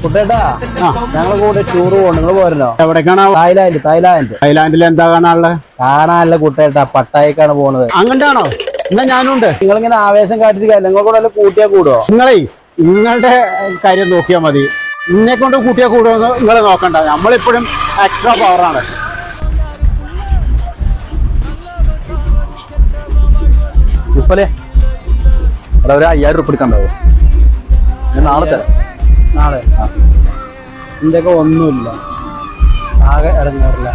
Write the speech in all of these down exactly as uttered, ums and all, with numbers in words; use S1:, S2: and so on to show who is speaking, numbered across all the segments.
S1: കുട്ടേട്ടാ ഞങ്ങൾ കൂടെ ടൂർ പോകണം. നിങ്ങൾ പോരണോ?
S2: എവിടേക്കാണ്?
S1: തായ്ലാന്റ്. തായ്ലാന്റ്
S2: തായ്ലാന്റിൽ എന്താ കാണാനുള്ളത്?
S1: കാണാനല്ല കുട്ടേട്ടാ, പട്ടായക്കാണ് പോണത്.
S2: അങ്ങോട്ടാണോ? എന്നാ ഞാനുണ്ട്.
S1: നിങ്ങളിങ്ങനെ ആവേശം കാട്ടിരിക്കുക, നിങ്ങൾ കൂടെ വല്ല കൂട്ടിയാ കൂടുവോ?
S2: നിങ്ങളെ നിങ്ങളുടെ കാര്യം നോക്കിയാൽ മതി. നിന്നെ കൊണ്ട് കൂട്ടിയാൽ കൂടുമോ നിങ്ങൾ നോക്കണ്ട. നമ്മളിപ്പോഴും എക്സ്ട്രാ പവറാണ്.
S3: ഒരു അയ്യായിരം ഉറുപ്പിക എടുക്കാണ്ടാവും. നാളെ തരാം.
S1: നാളെ ഇതിന്റെ ഒക്കെ ഒന്നുമില്ല, ആകെ ഇറങ്ങാറില്ല.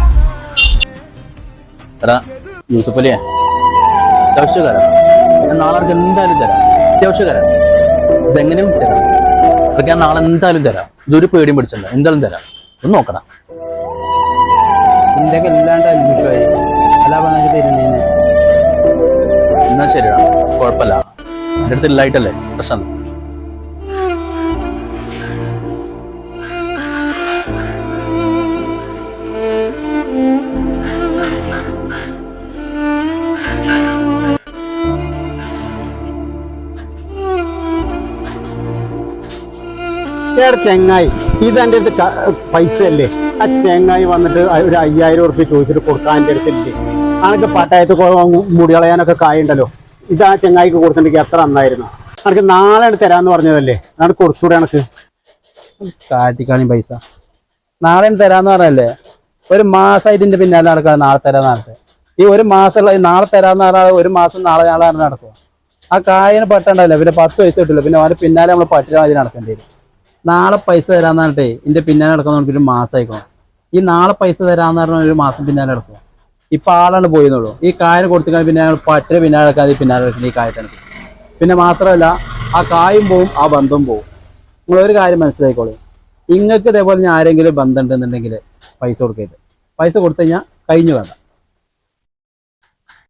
S3: എടാ യൂസഫലിയെ, അത്യാവശ്യക്കാരാ. ഞാൻ നാളെ എനിക്ക് എന്തായാലും തരാം. അത്യാവശ്യക്കാരാ, ഇതെങ്ങനെയും തരാം. അതൊക്കെ ഞാൻ നാളെ എന്തായാലും തരാം. ഇതൊരു പേടിയും പിടിച്ചല്ല, എന്തായാലും തരാം. ഒന്ന് നോക്കണം.
S1: ഇതിന്റെ ഒക്കെ ഇല്ലാണ്ട് അന്വേഷമായി അല്ല പറഞ്ഞ തരുന്നതിന്.
S3: എന്നാ ശരിയാ, കുഴപ്പമില്ല. എൻ്റെ അടുത്ത് ഇല്ലായിട്ടല്ലേ പ്രശ്നം.
S2: ചെങ്ങായി, ഇത് എൻ്റെ അടുത്ത് പൈസ അല്ലേ? ആ ചെങ്ങായി വന്നിട്ട് ഒരു അയ്യായിരം ഉറുപ്പിക ചോദിച്ചിട്ട് കൊടുക്കാൻ എൻ്റെ അടുത്തില്ലേ? അനക്ക് പട്ടായത്ത് മുടികളയാനൊക്കെ കായുണ്ടല്ലോ. ഇത് ആ ചെങ്ങായിക്ക് കൊടുത്തിട്ടുണ്ടെങ്കിൽ എത്ര നന്നായിരുന്നു. അനക്ക് നാളെ തരാന്ന് പറഞ്ഞതല്ലേ, അനക്ക് കൊടുത്തൂടെ? അനക്ക്
S1: കാട്ടിക്കാണി പൈസ നാളെ തരാന്ന് പറഞ്ഞല്ലേ? ഒരു മാസമായിട്ട് ഇതിന്റെ പിന്നാലെ നടക്കുക. നാളെ തരാന്ന് പറഞ്ഞിട്ട് ഈ ഒരു മാസമുള്ള നാളെ തരാന്ന് പറഞ്ഞാൽ ഒരു മാസം നാളെ നാളെ നടക്കുക. ആ കായിന് പട്ടുണ്ടല്ലോ, പിന്നെ പത്ത് പൈസ കിട്ടില്ല. പിന്നെ അവന്റെ പിന്നാലെ നമ്മൾ പട്ടിക മതി നടക്കേണ്ടി വരും. നാളെ പൈസ തരാന്ന് പറഞ്ഞിട്ടേ ഇതിന്റെ പിന്നാലെ നടക്കുന്ന നമുക്ക് ഒരു മാസം ആയിക്കണം. ഈ നാളെ പൈസ തരാന്ന് പറഞ്ഞ ഒരു മാസം പിന്നാലെ നടക്കുക. ഇപ്പൊ ആളാണ് പോയെന്നുള്ളൂ. ഈ കായന് കൊടുത്തിക്കാൻ പിന്നെ ഞങ്ങൾ പട്ടിക പിന്നാലെ നടക്കാതെ പിന്നാലെ നടക്കുന്നത് ഈ കായത്താണ്. പിന്നെ മാത്രമല്ല, ആ കായും പോവും, ആ ബന്ധവും പോവും. നിങ്ങളൊരു കാര്യം മനസ്സിലായിക്കോളൂ. നിങ്ങൾക്ക് ഇതേപോലെ ഞാൻ ആരെങ്കിലും ബന്ധം ഉണ്ടെന്നുണ്ടെങ്കിൽ പൈസ കൊടുക്കരുത്. പൈസ കൊടുത്തു കഴിഞ്ഞാൽ കഴിഞ്ഞു വേണ്ട.